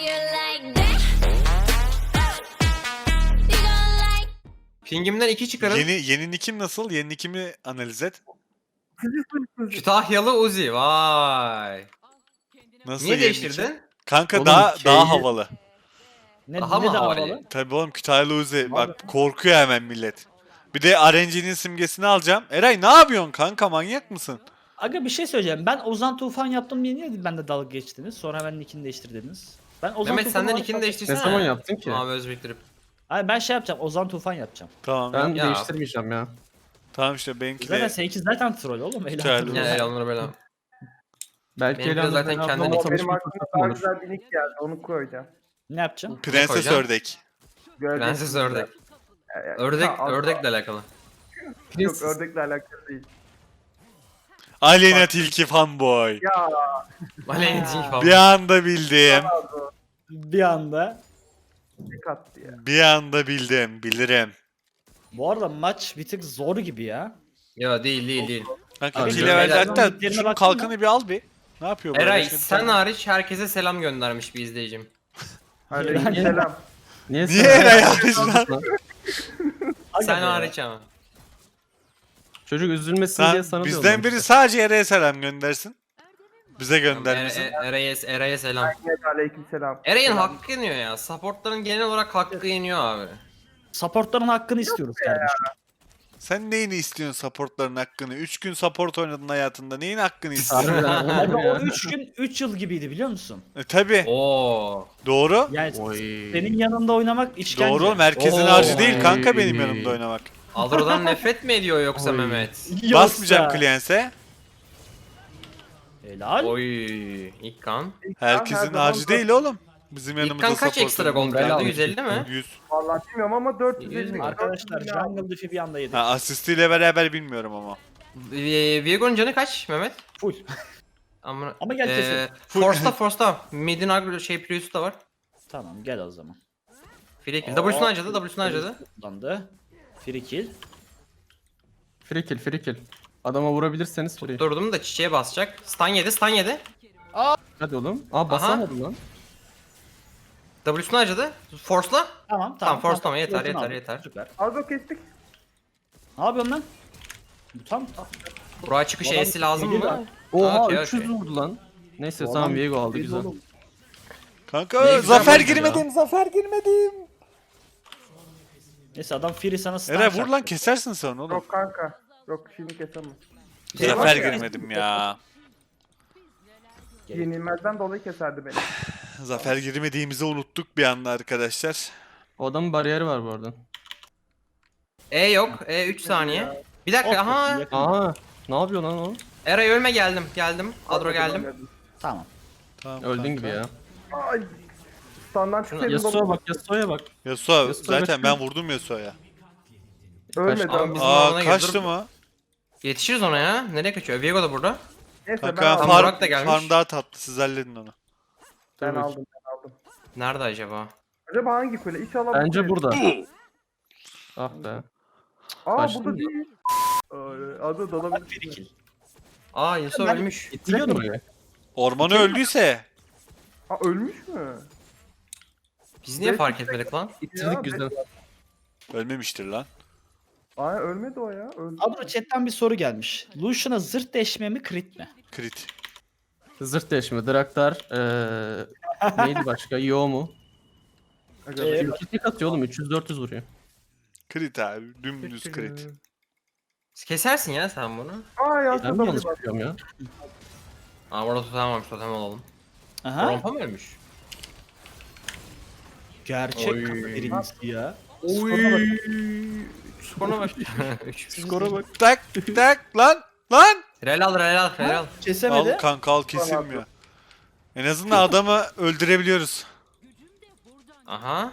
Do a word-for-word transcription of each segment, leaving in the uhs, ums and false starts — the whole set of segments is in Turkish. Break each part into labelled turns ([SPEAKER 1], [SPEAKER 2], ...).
[SPEAKER 1] Pingimden iki çıkarın.
[SPEAKER 2] Yeni yeni nickim nasıl? Yeni nickimi analiz et.
[SPEAKER 1] Kütahyalı Uzi. Vay.
[SPEAKER 2] Nasıl
[SPEAKER 1] Niye
[SPEAKER 2] yeni
[SPEAKER 1] değiştirdin?
[SPEAKER 2] nickim? Kanka
[SPEAKER 3] Oğlum,
[SPEAKER 2] daha
[SPEAKER 3] şeyi-
[SPEAKER 2] daha havalı.
[SPEAKER 3] Ne,
[SPEAKER 1] Daha
[SPEAKER 3] ne
[SPEAKER 1] mı
[SPEAKER 3] de
[SPEAKER 1] havalı?
[SPEAKER 3] havalı?
[SPEAKER 2] Tabii oğlum Kütahyalı Uzi. Bak korkuyor hemen millet. Bir de R N G'nin simgesini alacağım. Eray ne yapıyorsun kanka, manyak mısın?
[SPEAKER 3] Aga bir şey söyleyeceğim. Ben Ozan Tufan yaptım diye niye ben de dalga geçtiniz? Sonra ben nickini değiştirdiniz. Ben Ozan
[SPEAKER 1] Mehmet
[SPEAKER 3] Tufan
[SPEAKER 1] senden
[SPEAKER 3] olarak
[SPEAKER 1] ikini
[SPEAKER 3] yaptım.
[SPEAKER 1] değiştirsene.
[SPEAKER 4] Ne zaman yaptın ki?
[SPEAKER 1] Abi öz biriktirip.
[SPEAKER 3] Hayır ben şey yapacağım. Ozan Tufan yapacağım.
[SPEAKER 2] Tamam
[SPEAKER 4] Ben
[SPEAKER 2] ya.
[SPEAKER 1] Ya.
[SPEAKER 4] değiştirmeyeceğim ya.
[SPEAKER 2] Tamam işte benimki
[SPEAKER 3] Zaten
[SPEAKER 2] de.
[SPEAKER 3] seninki zaten troll oğlum.
[SPEAKER 2] Güzel.
[SPEAKER 3] Eğlenceli.
[SPEAKER 1] Ya yalanları böyle.
[SPEAKER 4] Belki
[SPEAKER 1] Benimki de
[SPEAKER 4] eğlendim,
[SPEAKER 1] zaten
[SPEAKER 4] ben
[SPEAKER 1] kendi
[SPEAKER 4] ama
[SPEAKER 1] nickim.
[SPEAKER 4] tanışma
[SPEAKER 5] Benim aklıma
[SPEAKER 4] fırsatım
[SPEAKER 5] daha
[SPEAKER 4] olur.
[SPEAKER 5] güzel bir nick geldi. Onu koyacağım.
[SPEAKER 3] Ne yapacağım?
[SPEAKER 2] Prenses
[SPEAKER 1] koyacaksın?
[SPEAKER 2] ördek.
[SPEAKER 5] Gördük.
[SPEAKER 1] Prenses ördek.
[SPEAKER 5] Ee,
[SPEAKER 1] Ördek,
[SPEAKER 5] ha,
[SPEAKER 1] ördekle alakalı.
[SPEAKER 5] Yok ördekle alakalı değil.
[SPEAKER 2] Aleyna Tilki fanboy.
[SPEAKER 5] Ya
[SPEAKER 1] Valentin falan.
[SPEAKER 2] Bir anda bildim.
[SPEAKER 3] Bir anda.
[SPEAKER 5] ne kattı ya.
[SPEAKER 2] Bir anda bildim. Bilirim.
[SPEAKER 3] Bu arada maç bir tık zor gibi ya.
[SPEAKER 1] Ya değil değil değil.
[SPEAKER 2] Kanka
[SPEAKER 4] Abi,
[SPEAKER 2] iki
[SPEAKER 1] beyler,
[SPEAKER 2] levelde hatta
[SPEAKER 3] nicklerine
[SPEAKER 2] şunun
[SPEAKER 3] baktın mı?
[SPEAKER 2] kalkanı bir al bir. Ne yapıyor bu?
[SPEAKER 1] Eray
[SPEAKER 2] Başka bir
[SPEAKER 1] sen
[SPEAKER 2] tane-
[SPEAKER 1] hariç herkese selam göndermiş bir izleyicim.
[SPEAKER 5] Aleykümselam.
[SPEAKER 4] Niye,
[SPEAKER 2] Niye
[SPEAKER 4] sen-
[SPEAKER 2] Eray hariç lan?
[SPEAKER 3] Aga
[SPEAKER 1] Sen
[SPEAKER 3] be.
[SPEAKER 1] hariç ama.
[SPEAKER 4] Çocuk üzülmesin diye
[SPEAKER 2] Sen
[SPEAKER 4] sana
[SPEAKER 2] bizden
[SPEAKER 4] diyorlar.
[SPEAKER 2] biri sadece Eray'a selam göndersin. Bize
[SPEAKER 1] Er,
[SPEAKER 2] göndermesin.
[SPEAKER 1] er, Eray'a Eray'a selam.
[SPEAKER 5] Evet, aleykümselam.
[SPEAKER 1] Eray'ın
[SPEAKER 5] Selam.
[SPEAKER 1] hakkı yeniyor ya. Supportların genel olarak hakkı yeniyor abi.
[SPEAKER 3] Supportların hakkını istiyoruz kardeşim.
[SPEAKER 2] Sen neyini istiyorsun supportların hakkını? üç gün support oynadın hayatında. Neyin hakkını istiyorsun?
[SPEAKER 4] Harbiden
[SPEAKER 3] Aga
[SPEAKER 4] oğlum
[SPEAKER 3] o
[SPEAKER 4] ya.
[SPEAKER 3] üç gün üç yıl gibiydi biliyor musun?
[SPEAKER 2] e, tabi.
[SPEAKER 1] Oo.
[SPEAKER 2] Doğru.
[SPEAKER 3] Yani
[SPEAKER 4] Oy.
[SPEAKER 3] senin yanında oynamak işkence.
[SPEAKER 2] Doğru oğlum. Herkesin
[SPEAKER 1] Oo.
[SPEAKER 2] harcı değil kanka
[SPEAKER 4] Oy.
[SPEAKER 2] benim yanımda oynamak.
[SPEAKER 1] Adro'dan nefret mi ediyor yoksa
[SPEAKER 4] Oy.
[SPEAKER 1] Mehmet?
[SPEAKER 3] Yoksa-
[SPEAKER 2] Basmayacağım Clients'e.
[SPEAKER 3] Helal.
[SPEAKER 1] Oy. İlk kan.
[SPEAKER 2] Herkesin
[SPEAKER 5] her zaman
[SPEAKER 2] harcı
[SPEAKER 5] dört-
[SPEAKER 2] değil oğlum. Bizim
[SPEAKER 1] İlk
[SPEAKER 2] yanımızda
[SPEAKER 1] kan kaç
[SPEAKER 2] support
[SPEAKER 1] ekstra
[SPEAKER 2] oynamak.
[SPEAKER 1] gold
[SPEAKER 4] Bela
[SPEAKER 1] geldi?
[SPEAKER 4] almış.
[SPEAKER 1] yüz elli mi?
[SPEAKER 2] yüz.
[SPEAKER 5] Vallahi bilmiyorum ama dört yüz elli.
[SPEAKER 3] Arkadaşlar Jungle Diff'i bir anda yedik.
[SPEAKER 2] Ha, asistiyle beraber bilmiyorum ama.
[SPEAKER 1] Ee, Viego'nun canı kaç Mehmet?
[SPEAKER 3] Full.
[SPEAKER 1] Ama,
[SPEAKER 3] Ama gel keselim.
[SPEAKER 1] Force'da Force'da. Mid'in agro şey Prius da var.
[SPEAKER 3] Tamam gel o zaman.
[SPEAKER 1] Free kill.
[SPEAKER 3] Aa.
[SPEAKER 1] W'sunu harcadı, W'sunu harcadı.
[SPEAKER 3] Kullandı. Free kill.
[SPEAKER 4] Free kill, free kill. Adama vurabilirseniz free.
[SPEAKER 1] Durdum da çiçeğe basacak. Stun yedi, stun yedi.
[SPEAKER 4] Hadi oğlum. Aa basamadı lan.
[SPEAKER 1] W'sunu harcadı. Force'la.
[SPEAKER 3] Tamam tamam.
[SPEAKER 1] Tamam, force tamam, yeter,
[SPEAKER 3] Force'unu
[SPEAKER 1] yeter,
[SPEAKER 3] aldık.
[SPEAKER 1] yeter.
[SPEAKER 3] Süper.
[SPEAKER 5] Ardo kestik.
[SPEAKER 3] Ne yapıyorsun lan? Bu tam tam.
[SPEAKER 1] Buraya çıkış
[SPEAKER 3] Bu adam
[SPEAKER 1] E'si lazım
[SPEAKER 3] yedi
[SPEAKER 1] mı?
[SPEAKER 3] lan.
[SPEAKER 4] Oha
[SPEAKER 1] Okey,
[SPEAKER 4] üç yüz
[SPEAKER 1] okey.
[SPEAKER 4] vurdu lan. Neyse
[SPEAKER 3] Bu
[SPEAKER 4] tamam
[SPEAKER 3] adam
[SPEAKER 4] Viego aldı
[SPEAKER 3] yedi
[SPEAKER 4] güzel.
[SPEAKER 3] oğlum.
[SPEAKER 2] Kanka
[SPEAKER 1] Ne güzel
[SPEAKER 2] zafer
[SPEAKER 1] oldu ya.
[SPEAKER 2] girmedim, zafer girmedim.
[SPEAKER 3] Neyse adam Free sana stun
[SPEAKER 2] Eray vur
[SPEAKER 3] çaktı.
[SPEAKER 2] lan, kesersin sen oğlum.
[SPEAKER 5] Yok kanka. Yok şimdi kesemem.
[SPEAKER 2] Zafer girmedim ya.
[SPEAKER 5] Yenilmezden dolayı keserdi beni.
[SPEAKER 2] Zafer girmediğimizi unuttuk bir anda arkadaşlar.
[SPEAKER 4] O adamın bariyeri var bu arada.
[SPEAKER 1] E yok. E üç saniye. Bir dakika,
[SPEAKER 3] Of,
[SPEAKER 1] aha.
[SPEAKER 3] yakın.
[SPEAKER 4] Aa ne yapıyor lan o?
[SPEAKER 1] Eray ölme geldim, geldim. Adro geldim.
[SPEAKER 3] Tamam.
[SPEAKER 2] Tamam,
[SPEAKER 4] Öldün
[SPEAKER 2] kanka.
[SPEAKER 4] gibi ya.
[SPEAKER 5] Ay. Standdan çıksaydım
[SPEAKER 4] Yasuo'ya bak Yasuo'ya bak.
[SPEAKER 2] Yasuo
[SPEAKER 4] Yasuo
[SPEAKER 2] zaten
[SPEAKER 4] kaçtı.
[SPEAKER 2] ben vurdum Yasuo'ya.
[SPEAKER 5] ölmedi
[SPEAKER 4] Kaçtı.
[SPEAKER 5] ama.
[SPEAKER 1] Bizim
[SPEAKER 2] Aa
[SPEAKER 1] alana
[SPEAKER 2] kaçtı
[SPEAKER 1] girdi.
[SPEAKER 2] mı?
[SPEAKER 1] Yetişiriz ona ya. Nereye kaçıyor? Viego da burada.
[SPEAKER 5] Neyse
[SPEAKER 2] Kanka
[SPEAKER 5] ben aldım.
[SPEAKER 1] Burak
[SPEAKER 2] farm,
[SPEAKER 1] da gelmiş.
[SPEAKER 2] farm daha tatlı, siz halledin onu.
[SPEAKER 5] Ben
[SPEAKER 4] Dur
[SPEAKER 5] aldım ben aldım.
[SPEAKER 1] Nerede acaba?
[SPEAKER 5] Acaba hangi kule? İnşallah bu
[SPEAKER 4] Bence
[SPEAKER 5] kule.
[SPEAKER 4] burada. Ah be.
[SPEAKER 5] Aa
[SPEAKER 4] Kaçtı
[SPEAKER 5] burada
[SPEAKER 4] mı?
[SPEAKER 5] değil. Ee, Adı
[SPEAKER 3] Free
[SPEAKER 5] dalabilir.
[SPEAKER 3] kill.
[SPEAKER 1] Aa Yusuf
[SPEAKER 3] Ben-
[SPEAKER 1] ölmüş.
[SPEAKER 4] Gittik mi buraya?
[SPEAKER 2] Ormanı öldüyse.
[SPEAKER 5] Aa ölmüş mü?
[SPEAKER 1] Biz niye fark etmedik lan?
[SPEAKER 4] İttirdik güzel.
[SPEAKER 2] Ölmemiştir lan.
[SPEAKER 5] Aa ölmedi o ya. Öldü.
[SPEAKER 3] Adro chatten bir soru gelmiş. Lucian'a zırt deşme mi crit mi?
[SPEAKER 2] Crit.
[SPEAKER 4] Zırt deşme, Draktar, eee neydi başka? Yo mu?
[SPEAKER 5] Aga,
[SPEAKER 3] Ee,
[SPEAKER 5] bir-
[SPEAKER 4] Kitik atıyor oğlum üç yüz dört yüz vuruyor.
[SPEAKER 2] Crit abi. Dümdüz crit.
[SPEAKER 1] Kesersin ya sen bunu.
[SPEAKER 5] Aa ya
[SPEAKER 4] Ben mi yanlış yapıyorum ya?
[SPEAKER 1] Aa burada tutamamış, totem olalım.
[SPEAKER 3] Aha.
[SPEAKER 1] Rompa mı ölmüş?
[SPEAKER 3] Gerçek
[SPEAKER 1] Oy.
[SPEAKER 3] kafa birincisi ya.
[SPEAKER 1] Oy. Skora bak.
[SPEAKER 2] Skora bak. Tak tak lan lan.
[SPEAKER 1] Rel al, rel al, rel al.
[SPEAKER 3] Kesemedi.
[SPEAKER 2] Al kanka, al, kesilmiyor. En azından adamı öldürebiliyoruz.
[SPEAKER 1] Aha.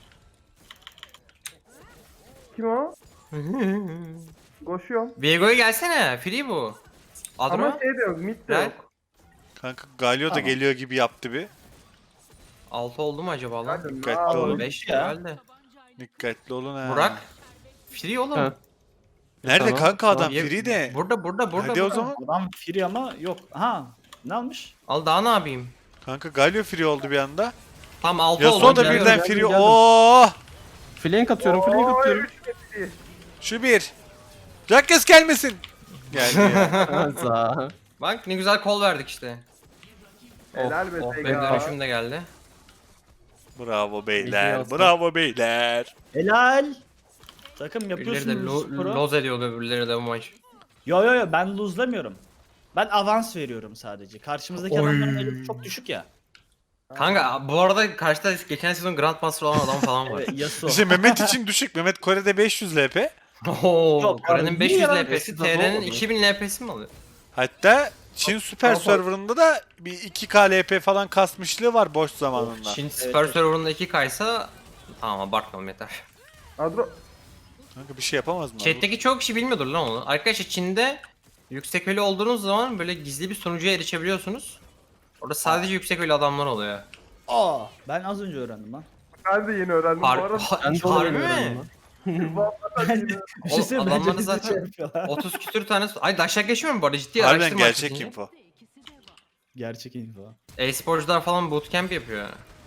[SPEAKER 5] Kim o? Koşuyorum.
[SPEAKER 1] Viego'ya gelsene. Free bu. Adro.
[SPEAKER 5] Ama şey de yok. Mid de
[SPEAKER 1] Rel.
[SPEAKER 5] yok.
[SPEAKER 2] Kanka Galio da
[SPEAKER 3] Tamam.
[SPEAKER 2] geliyor gibi yaptı bir.
[SPEAKER 1] altı oldu mu acaba lan?
[SPEAKER 5] Hadi,
[SPEAKER 2] Dikkatli
[SPEAKER 5] aa,
[SPEAKER 2] olun.
[SPEAKER 1] beş
[SPEAKER 3] ya.
[SPEAKER 1] herhalde.
[SPEAKER 2] Dikkatli olun ha.
[SPEAKER 1] Burak. Free oğlum.
[SPEAKER 4] Ha.
[SPEAKER 2] Nerede
[SPEAKER 4] Tamam,
[SPEAKER 2] kanka adam?
[SPEAKER 1] Tamam, ye-
[SPEAKER 2] Free de.
[SPEAKER 1] Burada, burada, burada.
[SPEAKER 2] Hadi o
[SPEAKER 1] burada.
[SPEAKER 2] zaman.
[SPEAKER 3] Adam free ama yok. Ha. Ne almış?
[SPEAKER 1] Al daha ne yapayım?
[SPEAKER 2] Kanka Galio free oldu bir anda.
[SPEAKER 1] Tam altı
[SPEAKER 2] Yasuo
[SPEAKER 1] oldu.
[SPEAKER 2] da
[SPEAKER 1] Geliyorum.
[SPEAKER 2] birden
[SPEAKER 4] geldim,
[SPEAKER 2] free.
[SPEAKER 4] geldim.
[SPEAKER 2] Oh!
[SPEAKER 4] Flank atıyorum, flank
[SPEAKER 5] Oy,
[SPEAKER 4] atıyorum.
[SPEAKER 5] üç kesti.
[SPEAKER 2] Şu bir. Jackes gelmesin. Geldi ya.
[SPEAKER 4] Za.
[SPEAKER 1] Bak ne güzel kol verdik işte.
[SPEAKER 5] Helal be
[SPEAKER 4] oh,
[SPEAKER 5] Sega.
[SPEAKER 4] ben
[SPEAKER 1] Dönüşüm de geldi.
[SPEAKER 2] Bravo
[SPEAKER 4] İyi
[SPEAKER 2] beyler.
[SPEAKER 4] yazdım.
[SPEAKER 2] Bravo beyler.
[SPEAKER 3] Helal. Takım
[SPEAKER 1] Birileri de
[SPEAKER 3] yapıyorsunuz
[SPEAKER 1] lo
[SPEAKER 3] sporu.
[SPEAKER 1] loz ediyordu öbürleri de bu maç.
[SPEAKER 3] Yo yo yo ben luzlamıyorum. Ben avans veriyorum sadece. Karşımızdaki
[SPEAKER 1] Oy.
[SPEAKER 3] adamların elo çok düşük ya.
[SPEAKER 1] Kanka bu arada karşıda geçen sezon Grandmaster olan adam falan var.
[SPEAKER 3] Evet, Yasuo.
[SPEAKER 2] İşte Mehmet için düşük. Mehmet Kore'de beş yüz L P.
[SPEAKER 1] Ooo
[SPEAKER 3] Yok,
[SPEAKER 1] Kore'nin
[SPEAKER 3] abi,
[SPEAKER 1] beş yüz
[SPEAKER 3] niye
[SPEAKER 1] L
[SPEAKER 3] ya?
[SPEAKER 1] P'si,
[SPEAKER 4] Eskiden
[SPEAKER 1] T R'nin
[SPEAKER 4] olmadı.
[SPEAKER 1] iki bin L P'si mi alıyor?
[SPEAKER 2] Hatta Çin Süper
[SPEAKER 5] Kafa-
[SPEAKER 2] Server'ında da bir iki K L P falan kasmışlığı var boş zamanında.
[SPEAKER 1] Çin
[SPEAKER 3] Evet,
[SPEAKER 1] Super
[SPEAKER 3] evet.
[SPEAKER 1] Server'ında iki K'ysa tamam abartmayalım yeter.
[SPEAKER 5] Adro.
[SPEAKER 2] Kanka bir şey yapamaz mı?
[SPEAKER 1] Chat'teki çoğu kişi bilmiyordur lan onu. Arkadaşlar Çin'de yüksek ölü olduğunuz zaman böyle gizli bir sonucuya erişebiliyorsunuz. Orada sadece yüksek ölü adamlar oluyor.
[SPEAKER 3] Aa, ben az önce öğrendim lan.
[SPEAKER 5] Ben de yeni öğrendim bu
[SPEAKER 1] Har
[SPEAKER 5] arada.
[SPEAKER 4] Ben de onu
[SPEAKER 1] harbi
[SPEAKER 4] öğreniyorum
[SPEAKER 1] mi?
[SPEAKER 4] lan.
[SPEAKER 5] Vallahi yeni.
[SPEAKER 3] Bir şey
[SPEAKER 1] Oğlum,
[SPEAKER 3] söyleyeyim
[SPEAKER 1] adamları
[SPEAKER 3] bence bizi
[SPEAKER 1] zaten-
[SPEAKER 3] şey yapıyorlar.
[SPEAKER 1] otuz küsür tane... Ay daşak geçmiyor mu bu arada? Ciddi
[SPEAKER 2] Harbiden
[SPEAKER 1] araştırma
[SPEAKER 2] gerçek
[SPEAKER 1] açtın.
[SPEAKER 2] info.
[SPEAKER 3] Gerçek info.
[SPEAKER 1] E-sporcular falan bootcamp yapıyor.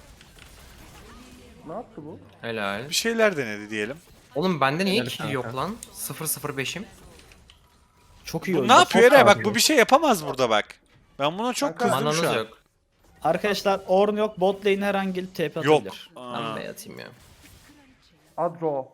[SPEAKER 5] Ne yaptı bu?
[SPEAKER 1] Helal.
[SPEAKER 2] Bir şeyler denedi diyelim.
[SPEAKER 1] Oğlum bende niye
[SPEAKER 4] Helal
[SPEAKER 1] kill
[SPEAKER 4] kanka.
[SPEAKER 1] yok lan? sıfır sıfır beşim.
[SPEAKER 3] Çok iyi
[SPEAKER 2] Bu
[SPEAKER 3] oyuncu.
[SPEAKER 2] ne yapıyor
[SPEAKER 3] çok
[SPEAKER 2] Eray? Bak
[SPEAKER 3] iyi.
[SPEAKER 2] bu bir şey yapamaz burada bak. Ben buna çok
[SPEAKER 5] Kanka,
[SPEAKER 2] kızdım
[SPEAKER 1] Mananız
[SPEAKER 2] şu an.
[SPEAKER 1] yok.
[SPEAKER 3] Arkadaşlar Ornn yok, bot lane her an gelip T P
[SPEAKER 2] Yok.
[SPEAKER 3] atabilir.
[SPEAKER 1] Ben
[SPEAKER 2] Aa.
[SPEAKER 1] de yatayım ya.
[SPEAKER 5] Adro.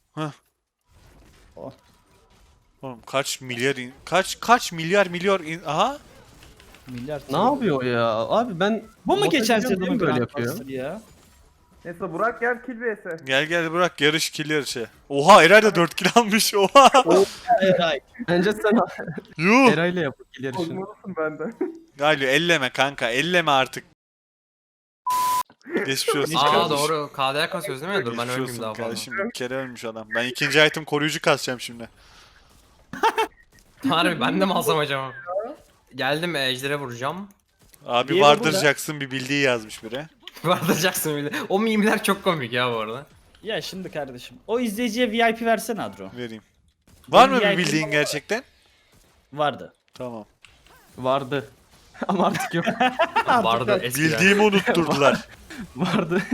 [SPEAKER 2] Oğlum kaç milyar in- kaç kaç milyar milyar in- aha
[SPEAKER 3] Milyar
[SPEAKER 4] Ne yapıyor o ya? Abi ben...
[SPEAKER 3] Bu mu
[SPEAKER 4] bota
[SPEAKER 3] geçen
[SPEAKER 4] gidiyorum,
[SPEAKER 3] sezonun
[SPEAKER 4] böyle
[SPEAKER 3] böyle
[SPEAKER 4] yapıyor?
[SPEAKER 3] yapıyor? Ya?
[SPEAKER 5] Neyse Burak gel kill vs.
[SPEAKER 2] gel gel bırak yarış kill yarışı. Oha Eray da dört kill almış oha.
[SPEAKER 3] Eray.
[SPEAKER 4] Bence sen
[SPEAKER 2] Yuh.
[SPEAKER 4] Eray'la yap kill yarışını.
[SPEAKER 5] Olmalısın benden.
[SPEAKER 2] Galio elleme kanka elleme artık. Geçmiş olsun.
[SPEAKER 1] Aa
[SPEAKER 2] kardeşim.
[SPEAKER 1] doğru. K D A kasıyoruz değil mi? Dur ben
[SPEAKER 2] Geçmiş
[SPEAKER 1] ölmeyeyim
[SPEAKER 2] olsun
[SPEAKER 1] daha fazla.
[SPEAKER 2] kardeşim. Bir kere ölmüş adam. Ben ikinci item koruyucu kasacağım şimdi.
[SPEAKER 1] Harbi ben de mi alsam acaba? Geldim ejder'e vuracağım.
[SPEAKER 2] Abi
[SPEAKER 3] Diego
[SPEAKER 2] vardıracaksın bir bildiği yazmış biri.
[SPEAKER 1] Vardıracaksın bile. O mimler çok komik ya bu arada.
[SPEAKER 3] Ya şimdi kardeşim. O izleyiciye V I P versene Adro.
[SPEAKER 2] Vereyim. Var mı
[SPEAKER 3] V I P
[SPEAKER 2] bir bildiğin gerçekten?
[SPEAKER 3] Vardı.
[SPEAKER 2] Tamam.
[SPEAKER 4] Vardı. Ama artık yok.
[SPEAKER 1] Vardı eskiden.
[SPEAKER 2] Bildiğimi unutturdular.
[SPEAKER 4] Vardı.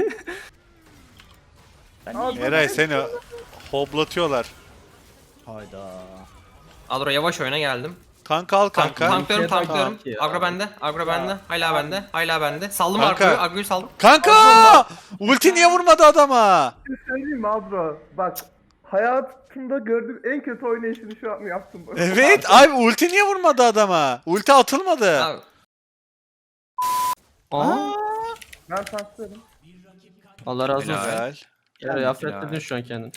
[SPEAKER 3] Ben
[SPEAKER 5] Aa,
[SPEAKER 3] iyi-
[SPEAKER 2] Eray seni hoblatıyorlar.
[SPEAKER 3] Hayda.
[SPEAKER 1] Adro yavaş oyuna geldim.
[SPEAKER 2] Tank al
[SPEAKER 1] Tank,
[SPEAKER 2] kanka.
[SPEAKER 1] tanklıyorum
[SPEAKER 4] Tamam.
[SPEAKER 1] tanklıyorum.
[SPEAKER 4] Ya.
[SPEAKER 1] Agro bende. Agro bende. Hala bende. Hala bende. Saldım
[SPEAKER 2] Kanka.
[SPEAKER 1] Agro'yu. Agro'yu saldım.
[SPEAKER 2] Kanka! Ulti niye vurmadı adama?
[SPEAKER 5] Bir şey söyleyeyim mi Adro? Bak hayatımda gördüğüm en kötü oynayışını şu an yaptım. bu.
[SPEAKER 2] Evet abi ulti niye vurmadı adama? Ulti atılmadı.
[SPEAKER 1] Abi,
[SPEAKER 4] Aa.
[SPEAKER 5] Ben tanklıyorum.
[SPEAKER 4] Allah razı olsun.
[SPEAKER 2] Helal.
[SPEAKER 4] Eray
[SPEAKER 1] Ya.
[SPEAKER 4] affettirdin şu an kendini.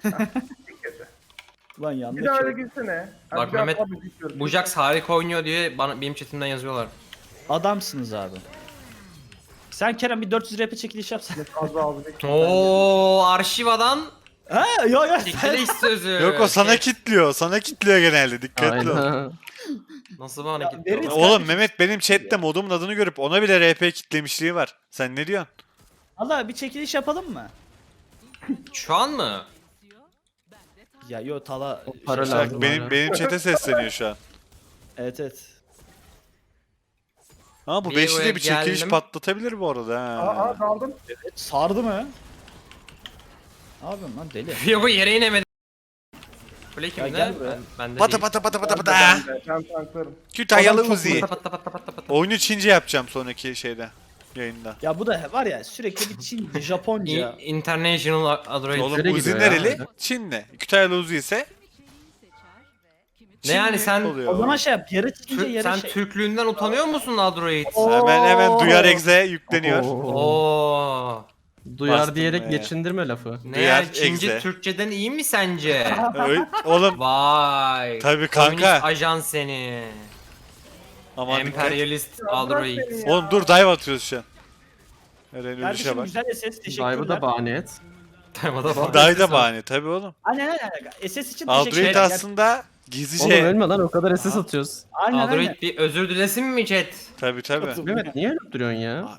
[SPEAKER 3] Lan yanlış.
[SPEAKER 5] Bir daha öyle
[SPEAKER 3] şey.
[SPEAKER 5] girsene.
[SPEAKER 1] Bak
[SPEAKER 5] Hadi bir daha
[SPEAKER 1] Mehmet,
[SPEAKER 5] tabii gidiyorum.
[SPEAKER 1] bu Jax harika oynuyor diye bana, benim chatimden yazıyorlar.
[SPEAKER 3] Adamsınız abi. Sen Kerem bir dört yüz R P çekiliş yapsana.
[SPEAKER 5] Fazla aldık.
[SPEAKER 1] Oo arşivadan
[SPEAKER 3] Ha yo yo.
[SPEAKER 1] çekiliş sözü.
[SPEAKER 2] Yok o sana
[SPEAKER 1] Şey,
[SPEAKER 2] kitliyor. Sana kitliyor genelde. Dikkatli ol.
[SPEAKER 4] Aynen.
[SPEAKER 1] Nasıl bana
[SPEAKER 3] Ya,
[SPEAKER 1] gitti?
[SPEAKER 3] veririz.
[SPEAKER 1] o?
[SPEAKER 2] Oğlum Mehmet benim chatte modumun adını görüp ona bile R P kitlemişliği var. Sen ne diyorsun?
[SPEAKER 3] Allah bir çekiliş yapalım mı?
[SPEAKER 1] Şu an mı?
[SPEAKER 3] Ya yo Tala.
[SPEAKER 4] O para
[SPEAKER 3] şey-
[SPEAKER 4] lazım.
[SPEAKER 2] Bak benim
[SPEAKER 4] hala.
[SPEAKER 2] benim chat'e sesleniyor şu an.
[SPEAKER 3] Evet evet.
[SPEAKER 2] Ama bu
[SPEAKER 1] Bir
[SPEAKER 2] beşli
[SPEAKER 1] oraya
[SPEAKER 2] de bir çekiliş
[SPEAKER 1] geldim.
[SPEAKER 2] patlatabilir bu arada
[SPEAKER 5] Aa,
[SPEAKER 2] ha.
[SPEAKER 5] aa daldım.
[SPEAKER 3] Sardı mı? Ne yapıyorsun lan deli?
[SPEAKER 1] Yok bu yere inemedi. Kule
[SPEAKER 3] Ya
[SPEAKER 1] kimde?
[SPEAKER 3] gel buraya.
[SPEAKER 1] Ben, bende
[SPEAKER 2] Pata
[SPEAKER 1] değil.
[SPEAKER 2] pata pata pata pata.
[SPEAKER 5] Ben, ben tanklarım.
[SPEAKER 2] Kütahyalı
[SPEAKER 3] Adam çok
[SPEAKER 2] Uzi.
[SPEAKER 1] Pata pata pata pata pata.
[SPEAKER 2] Oyunu Çince yapacağım sonraki şeyde. Yayında.
[SPEAKER 3] Ya bu da var ya sürekli bir Çin, Japonca.
[SPEAKER 1] İ- International Android.
[SPEAKER 2] Oğlum
[SPEAKER 4] Nereye
[SPEAKER 2] Uzi
[SPEAKER 4] gidiyor ya?
[SPEAKER 2] nereli? Çinli. Kütahyalı Uzi ise
[SPEAKER 1] Ne yani sen
[SPEAKER 2] oluyor.
[SPEAKER 3] O zaman şey yap yarı Çince
[SPEAKER 1] Tür-
[SPEAKER 3] yarı
[SPEAKER 1] sen
[SPEAKER 3] şey.
[SPEAKER 1] Türklüğünden utanıyor musun Android?
[SPEAKER 2] Hemen hemen duyar egze yükleniyor.
[SPEAKER 4] Oo.
[SPEAKER 1] Oo.
[SPEAKER 4] Duyar
[SPEAKER 2] Bastım
[SPEAKER 4] diyerek
[SPEAKER 2] be.
[SPEAKER 4] geçindirme lafı.
[SPEAKER 1] Ne
[SPEAKER 2] Duyar
[SPEAKER 1] yani Çince
[SPEAKER 2] egze.
[SPEAKER 1] Türkçeden iyi mi sence?
[SPEAKER 2] Öyle- Oğlum
[SPEAKER 1] Vay.
[SPEAKER 2] Tabii kanka.
[SPEAKER 1] Komünist ajan seni.
[SPEAKER 2] aman dikkat.
[SPEAKER 1] Emperyalist Android.
[SPEAKER 5] Bırak beni ya.
[SPEAKER 2] Oğlum dur dive atıyoruz şu an. Eren ölüşe
[SPEAKER 3] Kardeşim
[SPEAKER 2] bak.
[SPEAKER 3] güzel S S
[SPEAKER 4] Dive'ı
[SPEAKER 3] teşekkürler.
[SPEAKER 4] da bahane et.
[SPEAKER 1] Tamam da bak.
[SPEAKER 2] Dive da bahane tabii oğlum.
[SPEAKER 3] Aynen aynen. S S için
[SPEAKER 2] Android
[SPEAKER 3] teşekkürler.
[SPEAKER 2] aslında
[SPEAKER 4] Oğlum
[SPEAKER 2] gizlice.
[SPEAKER 4] ölme lan o kadar S S atıyoruz.
[SPEAKER 3] Aynen
[SPEAKER 1] Android
[SPEAKER 3] aynen.
[SPEAKER 1] bir özür dilesin mi chat?
[SPEAKER 2] Tabii tabii.
[SPEAKER 4] Mehmet niye ölüp duruyorsun ya?
[SPEAKER 2] Abi.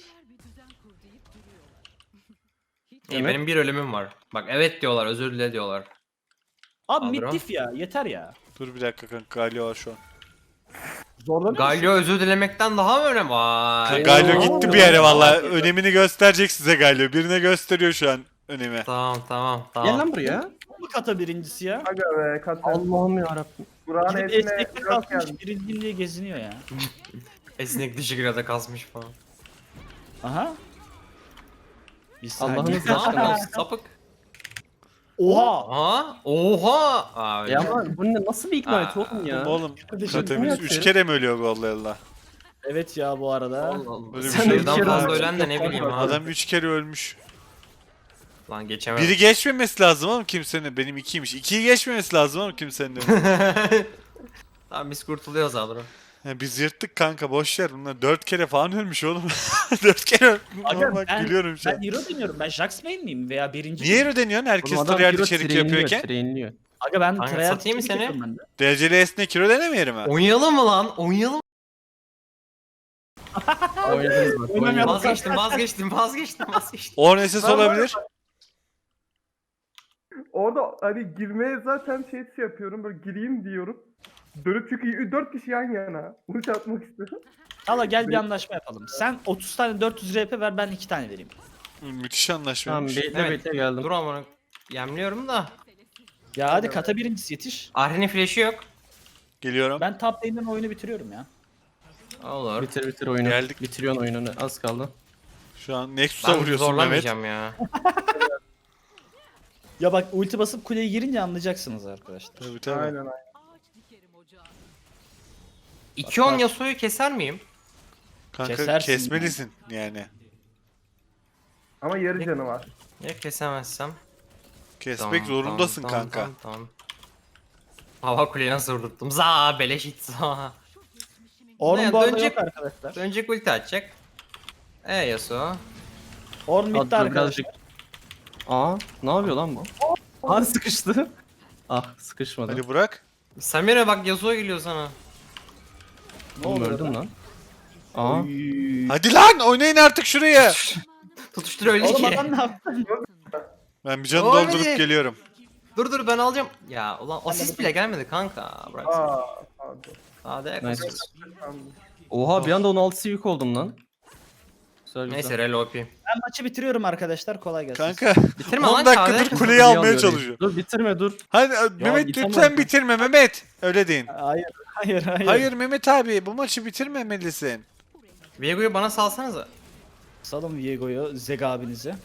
[SPEAKER 1] İyi,
[SPEAKER 4] Evet.
[SPEAKER 1] benim bir ölümüm var. Bak evet diyorlar, özür dile diyorlar.
[SPEAKER 3] Abi
[SPEAKER 1] Adro.
[SPEAKER 3] middiff ya yeter ya.
[SPEAKER 2] Dur bir dakika kanka Galio var şu an.
[SPEAKER 3] Zorlanıyor musun?
[SPEAKER 1] Galio özür dilemekten daha mı önemli? Vay.
[SPEAKER 2] Galio
[SPEAKER 3] Oo.
[SPEAKER 2] gitti bir yere valla. Önemini gösterecek size Galio. Birine gösteriyor şu an önemi.
[SPEAKER 1] Tamam tamam
[SPEAKER 4] Gel
[SPEAKER 1] tamam.
[SPEAKER 4] lan buraya.
[SPEAKER 3] Bu kata birincisi ya.
[SPEAKER 5] Aga be Kater.
[SPEAKER 4] Allah'ım yarabbim.
[SPEAKER 5] Burak'ın
[SPEAKER 3] Gidip
[SPEAKER 5] eline
[SPEAKER 3] esnekte
[SPEAKER 5] yok
[SPEAKER 3] kalkmış
[SPEAKER 5] geldi.
[SPEAKER 3] birinciyim diye geziniyor ya.
[SPEAKER 1] Esnek dişi grada kasmış falan.
[SPEAKER 3] Aha. Bir saniye.
[SPEAKER 4] Allah'ınız
[SPEAKER 1] Ne
[SPEAKER 4] aşkına.
[SPEAKER 1] yapıyorsun sapık?
[SPEAKER 3] Oha.
[SPEAKER 1] Aha. Oha. Aa, öyle.
[SPEAKER 4] Ya ama bu ne, nasıl bir ignite
[SPEAKER 1] Aa,
[SPEAKER 4] oğlum ya?
[SPEAKER 2] Oğlum
[SPEAKER 3] Kardeşim,
[SPEAKER 2] Katemiz üç kere mi ölüyor gollarla?
[SPEAKER 3] Evet ya bu arada.
[SPEAKER 1] Allah Allah.
[SPEAKER 2] Böyle bir
[SPEAKER 1] Sen
[SPEAKER 2] şey
[SPEAKER 1] birden
[SPEAKER 4] yok.
[SPEAKER 1] fazla ölen de ne bileyim abi.
[SPEAKER 2] Adam üç kere ölmüş.
[SPEAKER 1] Lan geçemem.
[SPEAKER 2] Biri geçmemesi lazım ama kimsenin. Benim ikiymiş. İkiyi geçmemesi lazım ama kimsenin.
[SPEAKER 1] Tamam biz kurtuluyoruz Adro.
[SPEAKER 2] Ya biz yırttık kanka boş ver. Bunlar dört kere falan ölmüş oğlum. Dört kere ölmüş.
[SPEAKER 3] Aga,
[SPEAKER 2] Bak
[SPEAKER 3] ben-
[SPEAKER 2] gülüyorum şu
[SPEAKER 3] Ben
[SPEAKER 2] an.
[SPEAKER 3] hero deniyorum. Ben Jax main miyim veya birinci
[SPEAKER 2] Niye
[SPEAKER 3] miyim?
[SPEAKER 2] öyle deniyorsun? Herkes
[SPEAKER 4] Oğlum adam
[SPEAKER 2] tryhard
[SPEAKER 4] hero
[SPEAKER 2] içerik
[SPEAKER 4] trainliyor,
[SPEAKER 2] yapıyorken.
[SPEAKER 4] trainliyor.
[SPEAKER 3] Aga ben
[SPEAKER 1] Kanka,
[SPEAKER 3] tryhard
[SPEAKER 1] satayım mı
[SPEAKER 3] içerik
[SPEAKER 1] seni?
[SPEAKER 3] yapıyorum ben de.
[SPEAKER 2] Dereceli esnek kilo denemeyelim ha.
[SPEAKER 1] Oynayalım mı lan? Oynayalım.
[SPEAKER 4] Oynadınız bak.
[SPEAKER 3] Oynamayalım.
[SPEAKER 4] oynadınız.
[SPEAKER 1] Vazgeçtim vazgeçtim vazgeçtim vazgeçtim.
[SPEAKER 2] O S S olabilir.
[SPEAKER 5] Orada hani girmeye zaten şey şey yapıyorum böyle gireyim diyorum. Dönüp çünkü dört kişi yan yana. Uç atmak istiyorum.
[SPEAKER 3] Hala gel bir anlaşma yapalım. Sen otuz tane dört yüz R P ver ben iki tane vereyim.
[SPEAKER 2] Müthiş
[SPEAKER 4] Tamam
[SPEAKER 2] anlaşmaymış.
[SPEAKER 4] bekle
[SPEAKER 1] Evet.
[SPEAKER 4] bekle geldim.
[SPEAKER 1] Dur amına. Yemliyorum da.
[SPEAKER 3] Ya hadi kata birincisi yetiş.
[SPEAKER 1] Ahri'nin flash'i yok.
[SPEAKER 2] Geliyorum.
[SPEAKER 3] Ben top lane'den oyunu bitiriyorum ya.
[SPEAKER 1] Olur.
[SPEAKER 4] Bitir bitir oyunu.
[SPEAKER 2] Geldik.
[SPEAKER 4] Bitiriyorsun oyununu. Az kaldı.
[SPEAKER 2] Şu an Nexus'a
[SPEAKER 1] Ben
[SPEAKER 2] vuruyorsun Mehmet.
[SPEAKER 1] zorlamayacağım ya.
[SPEAKER 3] Ya bak ulti basıp kuleye girince anlayacaksınız arkadaşlar.
[SPEAKER 2] Tabii tabii.
[SPEAKER 5] Aynen aynen.
[SPEAKER 1] iki on Yasuo'yu keser miyim?
[SPEAKER 2] Kanka
[SPEAKER 3] Kesersin
[SPEAKER 2] kesmelisin yani.
[SPEAKER 5] Ama yarı canı var.
[SPEAKER 1] Ya kesemezsem?
[SPEAKER 2] Kesmek
[SPEAKER 1] Tamam,
[SPEAKER 2] zorundasın
[SPEAKER 1] tamam,
[SPEAKER 2] kanka.
[SPEAKER 1] Tamam, tamam. Hava kuleyi nasıl vurdurttum? Za beleş it za.
[SPEAKER 3] Ornn
[SPEAKER 1] Ne,
[SPEAKER 3] bu arada
[SPEAKER 1] dönecek-
[SPEAKER 3] yok arkadaşlar.
[SPEAKER 1] Dönecek ulti atacak. E Yasuo.
[SPEAKER 3] Ornn bitti
[SPEAKER 4] Hadi
[SPEAKER 3] arkadaşlar.
[SPEAKER 4] birazcık. Aa ne yapıyor lan bu? Aa sıkıştı. Ah sıkışmadı.
[SPEAKER 2] Hadi bırak.
[SPEAKER 1] Samira bak Yasuo geliyor sana.
[SPEAKER 3] Ne
[SPEAKER 4] Oğlum
[SPEAKER 3] oluyor
[SPEAKER 4] öldüm
[SPEAKER 3] lan?
[SPEAKER 4] lan. Aa.
[SPEAKER 2] Hadi lan oynayın artık şuraya.
[SPEAKER 1] Tutuştur öyle
[SPEAKER 3] Oğlum
[SPEAKER 1] ki.
[SPEAKER 3] adam ne yaptı?
[SPEAKER 2] Ben bir canı
[SPEAKER 1] Oy.
[SPEAKER 2] doldurup geliyorum.
[SPEAKER 1] Dur dur ben alacağım. Ya ulan asist bile gelmedi kanka. Bırak.
[SPEAKER 5] Aa, pardon.
[SPEAKER 1] Hadi.
[SPEAKER 4] Nice.
[SPEAKER 5] Tamam.
[SPEAKER 4] Oha bir anda on altı yük oldum lan. Güzel güzel.
[SPEAKER 1] Neyse rel O P.
[SPEAKER 3] Ben maçı bitiriyorum arkadaşlar. Kolay gelsin.
[SPEAKER 2] Kanka
[SPEAKER 1] Bitirme
[SPEAKER 2] on
[SPEAKER 1] lan
[SPEAKER 2] dakikadır
[SPEAKER 1] Kade.
[SPEAKER 2] kuleyi
[SPEAKER 4] Kuleyi
[SPEAKER 2] almaya
[SPEAKER 4] alıyor
[SPEAKER 2] çalışıyor.
[SPEAKER 4] reis. Dur bitirme dur.
[SPEAKER 2] Hadi Mehmet
[SPEAKER 4] git ama.
[SPEAKER 2] lütfen bitirme Mehmet. Öyle deyin.
[SPEAKER 3] Hayır, hayır, hayır.
[SPEAKER 2] Hayır Mehmet abi bu maçı bitirmemelisin.
[SPEAKER 1] Viego'yu bana salsanıza.
[SPEAKER 3] Salın Viego'yu, Zeg abinizi.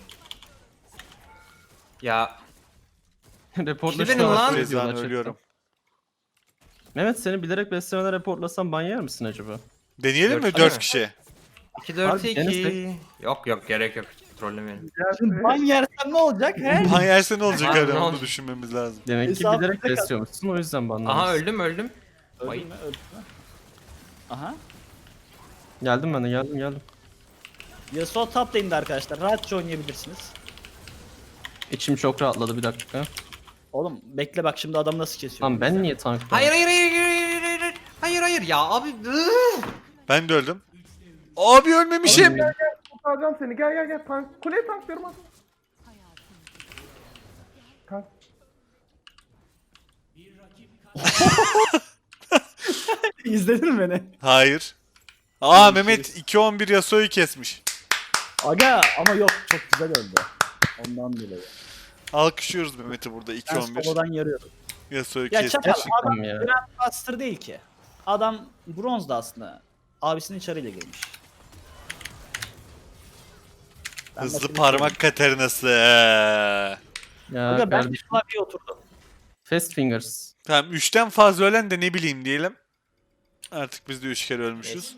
[SPEAKER 1] Ya
[SPEAKER 4] Reportla
[SPEAKER 1] Benim
[SPEAKER 4] şu an
[SPEAKER 1] lan.
[SPEAKER 4] diyorlar
[SPEAKER 2] Rezvan
[SPEAKER 4] chatten.
[SPEAKER 2] ölüyorum.
[SPEAKER 4] Mehmet seni bilerek beslemeden reportlasam ban yer misin acaba?
[SPEAKER 2] Deneyelim mi
[SPEAKER 1] Dört
[SPEAKER 2] dört
[SPEAKER 1] mi?
[SPEAKER 2] kişi?
[SPEAKER 1] iki dört
[SPEAKER 4] Abi,
[SPEAKER 1] iki.
[SPEAKER 4] Enes
[SPEAKER 1] Yok yok gerek yok. Trollemeyelim.
[SPEAKER 5] Gel.
[SPEAKER 3] Ban yersen ne olacak he?
[SPEAKER 2] Ban yerse ne olacak
[SPEAKER 1] Abi,
[SPEAKER 2] abi
[SPEAKER 1] ne
[SPEAKER 2] onu
[SPEAKER 1] olacak?
[SPEAKER 2] düşünmemiz lazım.
[SPEAKER 4] Demek ki
[SPEAKER 3] Hesabı
[SPEAKER 4] bilerek
[SPEAKER 3] tek at-
[SPEAKER 4] besliyormuşsun o yüzden banlamışsın.
[SPEAKER 1] Aha öldüm öldüm.
[SPEAKER 3] Öldün
[SPEAKER 1] Vay.
[SPEAKER 3] mü? Öldün mü? Aha.
[SPEAKER 4] Geldim ben de geldim geldim.
[SPEAKER 3] Yasuo top lane'de arkadaşlar. Rahatça oynayabilirsiniz.
[SPEAKER 4] İçim çok rahatladı bir dakika.
[SPEAKER 3] Oğlum bekle bak şimdi adam nasıl kesiyor.
[SPEAKER 4] Lan ben niye tank
[SPEAKER 1] Hayır hayır hayır hayır hayır hayır hayır hayır hayır ya abi. ıı.
[SPEAKER 2] Ben de öldüm. Abi ölmemişim.
[SPEAKER 5] Kurtaracağım seni. Gel gel gel. Tank. Kuleye tanklıyorum hadi. Tank.
[SPEAKER 3] İzledin mi beni?
[SPEAKER 2] Hayır. Aa Mehmet iki on bir Yasuo'yu kesmiş.
[SPEAKER 3] Aga ama yok çok güzel öldü. Ondan dolayı.
[SPEAKER 2] Alkışlıyoruz Mehmet'i burada iki
[SPEAKER 3] Ben
[SPEAKER 2] on bir.
[SPEAKER 3] solodan yarıyorum.
[SPEAKER 2] Yasuo'yu
[SPEAKER 3] Ya
[SPEAKER 2] kesmiş.
[SPEAKER 3] çakal adam
[SPEAKER 4] ya.
[SPEAKER 3] Grandmaster değil ki. Adam bronzda aslında. Abisinin çarıyla gelmiş. Ben
[SPEAKER 2] Hızlı
[SPEAKER 3] maçı
[SPEAKER 2] parmak Katarina'sı.
[SPEAKER 4] Ya
[SPEAKER 3] Aga ben de
[SPEAKER 4] kardeşim.
[SPEAKER 3] klavyeye oturdum.
[SPEAKER 4] Fast fingers.
[SPEAKER 2] Tamam üçten fazla ölen de ne bileyim diyelim. Artık biz de üç kere ölmüşüz.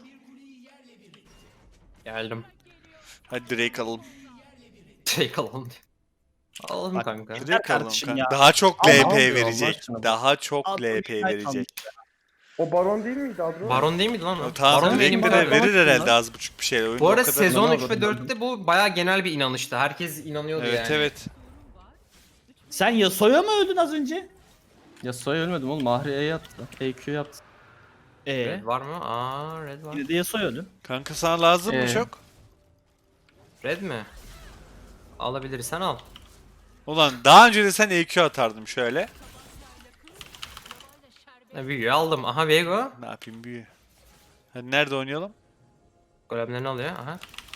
[SPEAKER 1] Geldim.
[SPEAKER 2] Hadi Drake alalım.
[SPEAKER 1] Şey kalalım. Alalım
[SPEAKER 3] Bak,
[SPEAKER 1] kanka.
[SPEAKER 3] Güzel
[SPEAKER 2] Drake alalım
[SPEAKER 3] kardeşim
[SPEAKER 2] kanka.
[SPEAKER 3] ya.
[SPEAKER 2] Daha çok
[SPEAKER 3] Ama
[SPEAKER 2] L P
[SPEAKER 4] almıyor Allah
[SPEAKER 2] verecek.
[SPEAKER 4] aşkına.
[SPEAKER 2] Daha çok
[SPEAKER 3] Adam
[SPEAKER 2] L P
[SPEAKER 3] güzel
[SPEAKER 2] verecek.
[SPEAKER 3] kalmış.
[SPEAKER 5] O baron değil miydi Adro?
[SPEAKER 1] Baron değil miydi lan o?
[SPEAKER 2] Tamam
[SPEAKER 1] Baron benim
[SPEAKER 2] Drake
[SPEAKER 1] bir
[SPEAKER 2] verir,
[SPEAKER 1] baron.
[SPEAKER 2] verir herhalde az buçuk bir şey. Oyunda
[SPEAKER 1] Bu arada
[SPEAKER 2] o kadar-
[SPEAKER 1] sezon
[SPEAKER 4] Ne
[SPEAKER 1] üç ve
[SPEAKER 4] yapalım?
[SPEAKER 1] dörtte bu bayağı genel bir inanıştı. Herkes inanıyordu
[SPEAKER 2] Evet
[SPEAKER 1] yani.
[SPEAKER 2] evet.
[SPEAKER 3] Sen Yasuo'ya mı öldün az önce?
[SPEAKER 4] Ya soy ölmedim oğlum. Mahri E yaptı. E Q yaptı.
[SPEAKER 3] Eee?
[SPEAKER 1] Red var mı? Aa red var.
[SPEAKER 3] Yine de Yasuo'ya öldün.
[SPEAKER 2] Kanka sana lazım mı
[SPEAKER 4] Ee.
[SPEAKER 2] çok?
[SPEAKER 1] Red mi? Alabilirsen al.
[SPEAKER 2] Ulan daha önce de sen E Q atardım şöyle.
[SPEAKER 1] Ne büyüğü aldım. Aha Viego.
[SPEAKER 2] Ne yapayım büyü. Hadi nerede oynayalım?
[SPEAKER 1] Golemlerini alıyor. Aha.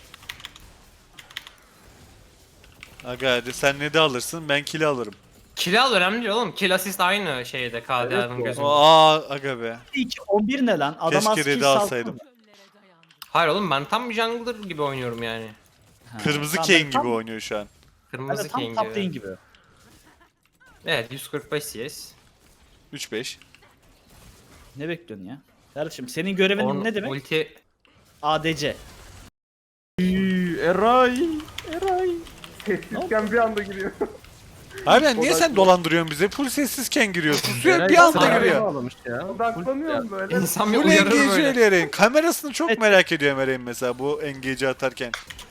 [SPEAKER 2] Aga hadi sen ne de alırsın ben kili alırım.
[SPEAKER 1] Kill al önemli değil oğlum. Kill assist aynı şeyde K D A'nın
[SPEAKER 3] Evet,
[SPEAKER 1] gözünde.
[SPEAKER 2] Aa aga be.
[SPEAKER 3] iki on bir ne lan? Adam
[SPEAKER 2] Keşke
[SPEAKER 3] az kill
[SPEAKER 2] red'i
[SPEAKER 3] salsana.
[SPEAKER 2] alsaydım.
[SPEAKER 1] Hayır oğlum ben tam bir jungler gibi oynuyorum yani.
[SPEAKER 3] Ha,
[SPEAKER 2] Kırmızı
[SPEAKER 3] tamam,
[SPEAKER 2] Kane
[SPEAKER 3] ben tam-
[SPEAKER 2] gibi oynuyor şu an.
[SPEAKER 3] Ben
[SPEAKER 1] Kırmızı
[SPEAKER 3] de tam
[SPEAKER 1] King
[SPEAKER 3] top
[SPEAKER 1] gibi.
[SPEAKER 3] lane gibi.
[SPEAKER 1] Evet yüz kırk beş C S.
[SPEAKER 2] üç beş.
[SPEAKER 3] Ne bekliyorsun ya? Kardeşim senin görevin
[SPEAKER 1] Orn-
[SPEAKER 3] ne demek?
[SPEAKER 1] Ulti.
[SPEAKER 3] A D C.
[SPEAKER 4] Üy, Eray. Eray.
[SPEAKER 5] Sessizken bir anda giriyor.
[SPEAKER 2] Harbiden niye
[SPEAKER 5] O da-
[SPEAKER 2] sen dolandırıyorsun bize? Full sessizken giriyor. Susuyor
[SPEAKER 4] Eray
[SPEAKER 2] bir anda
[SPEAKER 4] sana
[SPEAKER 2] giriyor.
[SPEAKER 4] bağlamış ya.
[SPEAKER 5] Odaklanıyorum böyle.
[SPEAKER 1] İnsan bir
[SPEAKER 2] Bu
[SPEAKER 1] uyarır
[SPEAKER 2] engage'i
[SPEAKER 1] böyle.
[SPEAKER 2] öyle Eren. Kamerasını çok
[SPEAKER 3] Evet.
[SPEAKER 2] merak ediyorum Eren mesela bu engage'i atarken.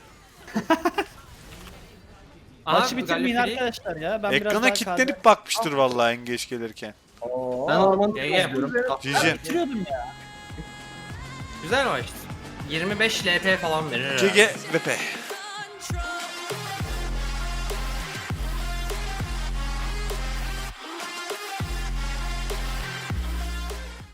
[SPEAKER 1] Aha,
[SPEAKER 3] Maçı bitirmeyin
[SPEAKER 1] Gallifrey.
[SPEAKER 3] arkadaşlar ya. Ben biraz
[SPEAKER 2] Ekrana
[SPEAKER 3] daha
[SPEAKER 2] kilitlenip bakmıştır vallahi engage gelirken.
[SPEAKER 5] Oo.
[SPEAKER 4] Ben ormanı
[SPEAKER 1] Gel, gel.
[SPEAKER 4] izliyorum.
[SPEAKER 2] G
[SPEAKER 3] kahve
[SPEAKER 2] G.
[SPEAKER 3] bitiriyordum ya.
[SPEAKER 1] Güzel maçtı. yirmi beş L P falan verir herhalde.
[SPEAKER 2] G G V P.